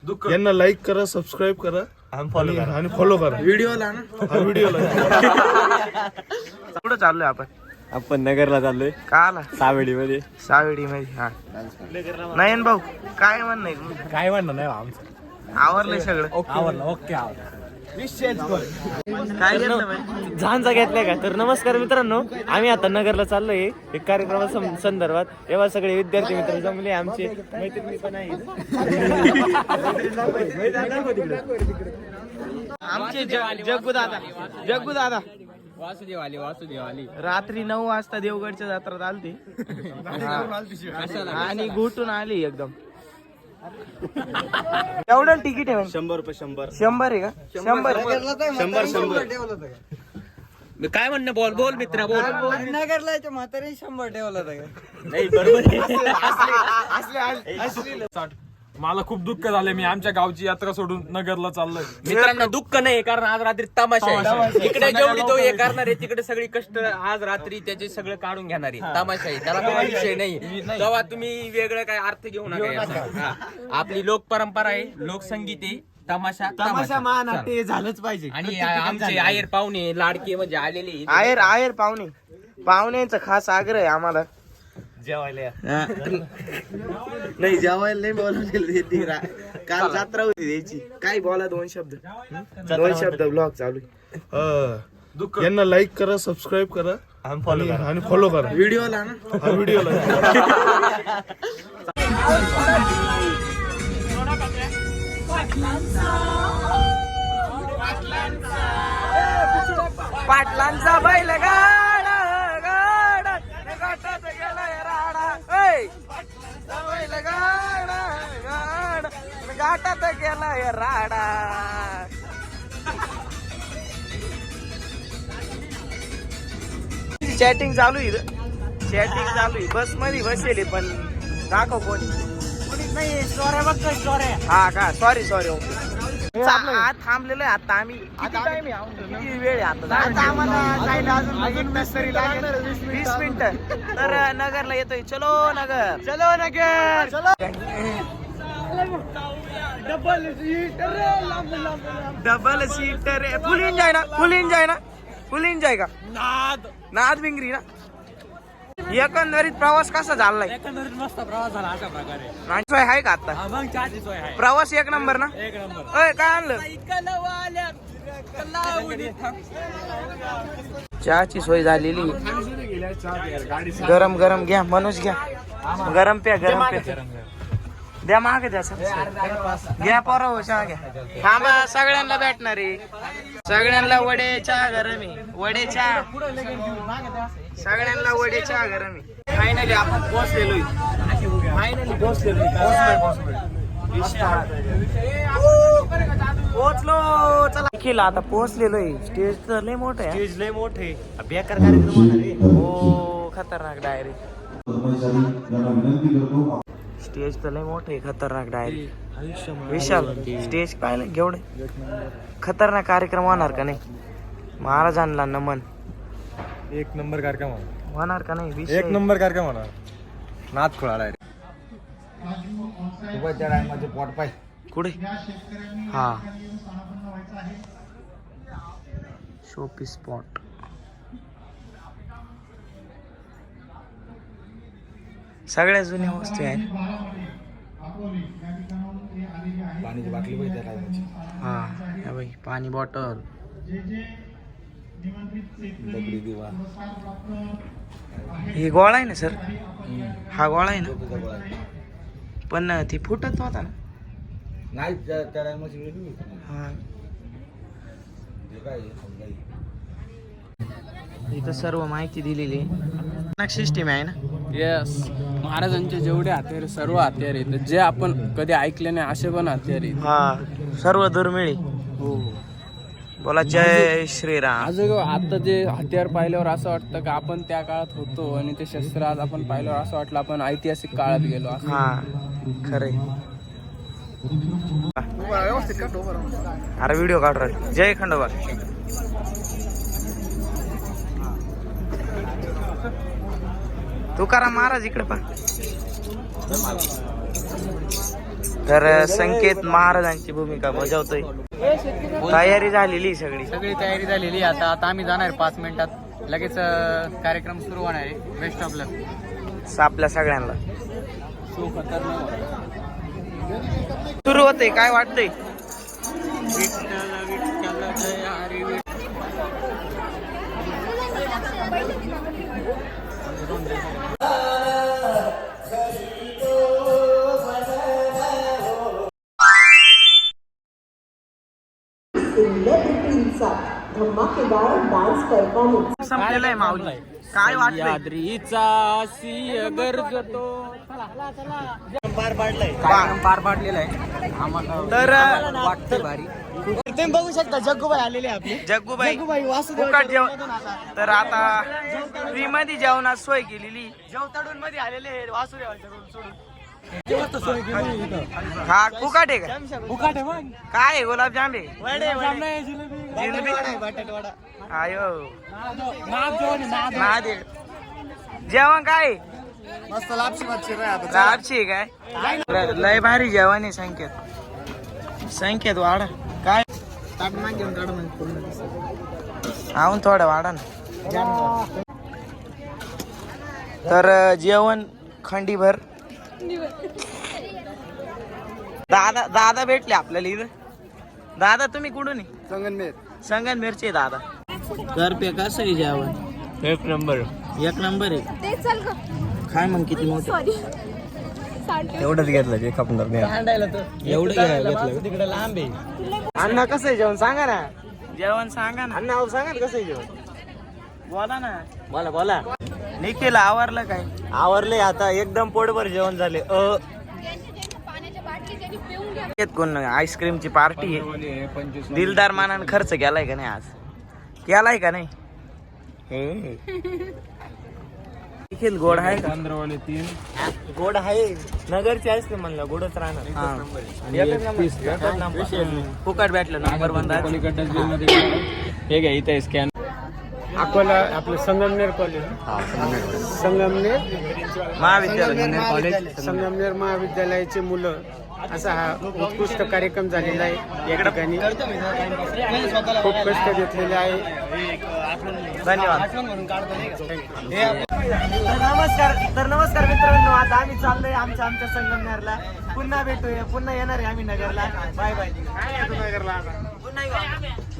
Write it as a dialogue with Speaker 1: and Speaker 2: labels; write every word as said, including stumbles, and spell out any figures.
Speaker 1: यांना लाईक करा, सबस्क्राईब करा आणि आणि फॉलो करा व्हिडिओला ना हा व्हिडिओला.
Speaker 2: कुठं चाललोय आपण?
Speaker 3: आपण नगरला चाललोय.
Speaker 2: का आला?
Speaker 3: सावेडी मध्ये.
Speaker 2: सावेडी मध्ये. हा नयन भाऊ काय म्हणणं आहे तुमचं?
Speaker 3: काय म्हणणं नाही आमचं,
Speaker 2: आवरलंय सगळं?
Speaker 3: आवडलं. ओके आवडलं.
Speaker 2: काय घेतलं बाई?
Speaker 3: झांजा घेतलाय का? तर नमस्कार मित्रांनो, आम्ही आता नगरला चाललोय एक कार्यक्रमा संदर्भात. तेव्हा सगळे विद्यार्थी मित्र जमले, आमचे मैत्रिणी पण आहे.
Speaker 2: आमचे जग्गू दादा, जग्गू दादा
Speaker 3: वासुदेव आली, वासुदेव आली.
Speaker 2: रात्री नऊ वाजता देवगडच्या जत्रात आलती आणि घुटून आली एकदम. एवढं तिकीट आहे म्हणजे?
Speaker 3: शंभर रुपये. शंभर
Speaker 2: शंभर आहे का? शंभर
Speaker 3: शंभर शंभर काय म्हणणं? बोल बोल मित्रा बोल.
Speaker 4: नगरला म्हातारी शंभर ठेवला होता.
Speaker 3: नाही बरोबर.
Speaker 1: मला खूप दुःख झाले, मी आमच्या गावची यात्रा सोडून नगरला चाललोय.
Speaker 3: मित्रांनो दुःख नाही, कारण आज रात्री तमाशा आहे. इकडे जेवढी तो हे करणार आहे, तिकडे सगळी कष्ट आज रात्री त्याचे सगळं काढून घेणार आहे. तमाशा आहे, त्याला काही विषय नाही. तेव्हा तुम्ही वेगळं काय अर्थ घेऊ नका याचा. हा. आपली लोक परंपरा आहे, लोकसंगीत आहे, तमाशा तमाशा
Speaker 4: महानाट्य झालंच पाहिजे.
Speaker 3: आणि आमचे आयर पाहुणे लाडके म्हणजे आलेले
Speaker 2: आयर आयर पाहुणे पाहुण्यांचा खास आग्रह आहे आम्हाला
Speaker 3: जेवायला.
Speaker 2: नाही जेवायला नाही बोलावलेलं. काल जत्रा होती द्यायची. काय बोला दोन शब्द दोन शब्द ब्लॉग चालू आहे.
Speaker 1: यांना लाईक करा, सबस्क्राईब करा आणि आणि फॉलो करा
Speaker 2: व्हिडिओला ना
Speaker 1: हा व्हिडिओला.
Speaker 2: पाटलांचा बैल गाडा गाडा गाठात गेलाय राडा. ऐ बैल गाडा गाडा गाठात गेलाय राडा. चॅटिंग चालू आहे, चॅटिंग चालू आहे. बस मध्ये बसेल पण दाखव कोणी.
Speaker 4: नाही स्टोऱ्या बघतो स्टोऱ्या.
Speaker 2: हा का? Sorry sorry. ओके आज थांबलेलो आहे आता आम्ही. किती टाइम आहे? किती वेळ आहे आता?
Speaker 4: आता आम्हाला जायला अजून एक तास तरी लागणार.
Speaker 2: वीस मिनिटं. तर नगरला येतोय. चलो नगर,
Speaker 4: चलो नगर चलो.
Speaker 2: डबल सीटर फुल एन्जॉय ना? फुल एन्जॉय ना? फुल एन्जॉय का?
Speaker 3: नाद
Speaker 2: नाद बिंगरी ना? एकंदरीत प्रवास कसा झालाय?
Speaker 3: एकंदरीत मस्त प्रवास झाला अशा प्रकारे.
Speaker 2: नाची सोय आहे का आता?
Speaker 3: मग चहाची सोय आहे.
Speaker 2: प्रवास एक नंबर ना?
Speaker 3: एक नंबर.
Speaker 2: अय काय आणलं? चहाची सोय झालेली. गरम गरम घ्या, मनोज घ्या. गरम प्या, गरम प्या. द्या मागे द्या सर. घ्या पोरं चहा घ्या. थांबा, सगळ्यांना भेटणार आहे. सगळ्यांना वडे चहा गरम आहे. वडे चहा सगळ्यांना वडे चहा गरम आहे. फायनली आपण पोहोचलेलो. फायनली पोहोचलेलो. पोहोचलो. चला केला आता पोहोचलेलो आहे. स्टेज तर लय मोठं आहे.
Speaker 3: स्टेज लय मोठे, बेकार कार्यक्रम होणार आहे.
Speaker 2: हो खतरनाक डायरी. स्टेज तर लय मोठं आहे. खतरनाक डायरी. विशाल स्टेज पाहिलं केवढे खतरनाक कार्यक्रम होणार का नाही? महाराजांना नमन.
Speaker 1: एक नंबर कार्यक्रम
Speaker 2: होणार का नाही?
Speaker 1: एक नंबर कार्यक्रम होणार. नाद खोळाला
Speaker 2: कुठे? हा शोपी स्पॉट. सगळ्या जुन्या वस्तू आहेत.
Speaker 1: पाण्याची बाटली पाहिजे.
Speaker 2: हा या बाई पाणी बॉटल. हे गोळा आहे ना सर? हा गोळा आहे ना? पण ती फुटत होता ना?
Speaker 1: नाही
Speaker 2: हा इथं सर्व माहिती दिलेली आहे. सिस्टीम आहे ना?
Speaker 4: येस, महाराजांचे जेवढे हत्यार सर्व हत्यार आहेत जे आपण कधी ऐकले नाही असे पण हत्यार आहेत.
Speaker 2: हा सर्व दुर्मिळी.
Speaker 4: हो.
Speaker 2: बोला जय श्रीराम.
Speaker 4: आज आता जे हत्यार पाहिल्यावर असं वाटतं की आपण त्या काळात होतो आणि ते शस्त्र आज आपण पाहिल्यावर असं वाटलं आपण ऐतिहासिक काळात गेलो.
Speaker 2: हा खरे. अरे व्हिडिओ काढ रे. जय खंडोबा. तुकाराम महाराज इकडे पा. तर संकेत महाराजांची भूमिका बजावतोय. तयारी झालेली सगळी
Speaker 5: सगळी तयारी झालेली आता आता आम्ही जाणार पाच मिनिटात लगेच अं, कार्यक्रम सुरू होणार आहे. बेस्ट ऑफ लक
Speaker 2: आपल्या सगळ्यांना. सुरू होते काय वाटतंय?
Speaker 6: सेलिब्रिटींचा धमाकेदार डान्स परफॉर्मन्स
Speaker 2: संपलेलं आहे माऊली. काय वाटतंय?
Speaker 4: याद्रीचा सिंह गरजतो.
Speaker 2: कार्यक्रम पार पाडलेला आहे. तर
Speaker 5: वाटतंय भारी. तुम्ही बघू शकता जग्गूबाई आलेले आपले
Speaker 2: जग्गूबाई
Speaker 5: जग्गूबाई वासुदेव
Speaker 2: फुकट जेवण. तर आता फ्री मध्ये जेवणात सोय केलेली.
Speaker 5: जेवताडून मध्ये आलेले वासुदेवाच्या रोड सोडून
Speaker 2: हा फुकट आहे का?
Speaker 5: फुकाट आहे मग
Speaker 2: काय आहे? गुलाबजाम आहे?
Speaker 5: वडे वडे
Speaker 2: जिलेबी?
Speaker 5: बटाटा वडा
Speaker 2: आयो
Speaker 5: नाद जेवण नाद
Speaker 2: महादेव. जेवण काय आहे?
Speaker 5: मस्त लापशी मच्छी रे आता
Speaker 2: लापशी आहे काय? लय भारी जेवण आहे. संकेत संकेत वाडा काय
Speaker 5: ताट माग घेऊन काढ मग पूर्ण
Speaker 2: आऊन थोडं वाडा ना. तर जेवण खंडीभर. दादा दादा भेटले आपल्याला इथं. दादा तुम्ही कुठून आहे?
Speaker 5: संगनमेर
Speaker 2: संगनमेरचे दादा. घर पे कसं आहे जेवण?
Speaker 3: एक नंबर.
Speaker 2: एक नंबर आहे.
Speaker 7: ते चल ग
Speaker 2: काय मग किती मोठं?
Speaker 7: सॉरी
Speaker 3: एवढंच घेतलं जे खपणार नाही.
Speaker 5: हांडायला तर
Speaker 2: एवढं घेतलं
Speaker 5: तिकडे लांब आहे.
Speaker 2: अण्णा कसं आहे जेवण सांगा ना. जेवण सांगा ना
Speaker 5: अण्णा सांगा ना कसं आहे जेवण.
Speaker 2: बोला ना.
Speaker 5: बोला बोला
Speaker 2: निखिल आवरलं काय?
Speaker 5: आवरले आता एकदम पोटभर जेवण झाले. अ
Speaker 7: पाण्याच्या बाटली त्यांनी पिऊन घ्या.
Speaker 2: येत कोण आईस्क्रीमची पार्टी आहे. दिलदार मानानं खर्च केलाय का नाही आज? केलाय का नाही? हे निखिल गोड आहे का?
Speaker 5: गोड आहे नगरची आईस्क्रीम म्हणलं गोडच राहणार.
Speaker 2: फुकट भेटलं नंबर बंद.
Speaker 4: हे घ्या इथे स्कॅन.
Speaker 5: अकोला आपलं संगमनेर कॉलेज संगमनेर
Speaker 2: महाविद्यालय
Speaker 5: कॉलेज संगमनेर महाविद्यालयाचे मुलं असा हा उत्कृष्ट कार्यक्रम झालेला आहे. या ठिकाणी खूप कष्ट घेतलेले आहे.
Speaker 2: धन्यवाद.
Speaker 5: तर नमस्कार तर नमस्कार मित्रांनो, आता आम्ही चाललोय आमच्या आमच्या संगमनेरला. पुन्हा भेटूया, पुन्हा येणार आहे आम्ही नगरला. Bye bye. पुन्हा येऊ.